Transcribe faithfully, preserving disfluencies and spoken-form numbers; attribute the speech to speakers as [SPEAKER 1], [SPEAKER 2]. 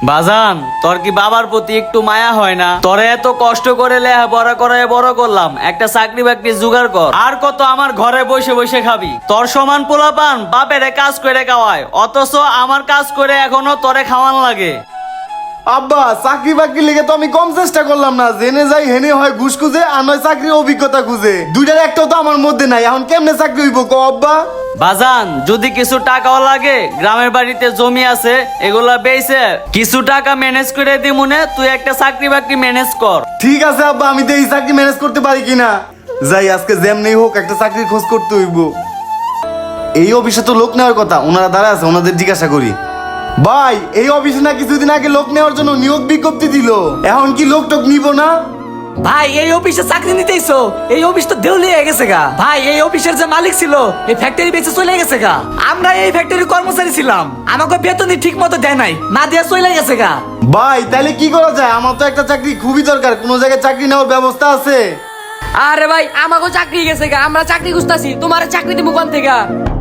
[SPEAKER 1] বাজান, তোর কি বাবার প্রতি একটু মায়া হয় না? তোরে এত কষ্ট করে লেখাপড়া করে বড় করলাম, একটা চাকরি বাকরি জোগাড় কর। আর কত আমার ঘরে বসে বসে খাবি? তোর সমান পোলাপান বাপেরে কাজ করে খাওয়ায়, অথচ আমার কাজ করে এখনো তোরে খাওয়ান লাগে।
[SPEAKER 2] আব্বা, চাকরি বাকরি লেগে তো আমি কম চেষ্টা করলাম না। জেনে যাই হেনে হয় ঘুষ খুঁজে, আর নয় চাকরির অভিজ্ঞতা খুঁজে। দুইটার একটাও তো আমার মধ্যে নাই। এখন কেমনে চাকরি হইব কো আব্বা?
[SPEAKER 1] বাজান, যদি কিছু টাকাও লাগে, গ্রামের বাড়িতে জমি আছে, এগুলা বেচে কিছু টাকা ম্যানেজ করে দি মনে, তুই একটা চাকরি বাকরি ম্যানেজ কর।
[SPEAKER 2] ঠিক আছে আব্বা, আমি তো এই চাকরি ম্যানেজ করতে পারি কিনা। যাই, আজকে যেমনি হোক একটা চাকরির খোঁজ করতে হইব। এই অফিসে তো লোক নেওয়ার কথা, ওনারা দাঁড়া আছে, ওনাদের জিজ্ঞাসা করি। ভাই, এই অফিসে না কিছুদিন আগে লোক নেওয়ার জন্য নিয়োগ বিজ্ঞপ্তি দিল, এখন কি লোক টোক নিব না?
[SPEAKER 3] ভাই, এই অফিসে চাকরি নিতেইছো? এই অফিস তো দেউলিয়া হয়ে গেছে গা। ভাই, এই অফিসের যে মালিক ছিল, এই ফ্যাক্টরি বেঁচে চলে গেছে গা। আমরা এই ফ্যাক্টরির কর্মচারী ছিলাম, আমাকে বেতনই ঠিক মতো দেয় নাই, না দিয়ে চলে গেছে গা।
[SPEAKER 2] ভাই, তাহলে কি করা যায়? আমার তো একটা চাকরি খুবই দরকার, কোনো জায়গায় চাকরি নেওয়ার ব্যবস্থা আছে?
[SPEAKER 4] আরে ভাই, আমাকেও চাকরি গেছে গা, আমরা চাকরি খুঁজতাছি, তোমার চাকরি দিব কোন থেকে?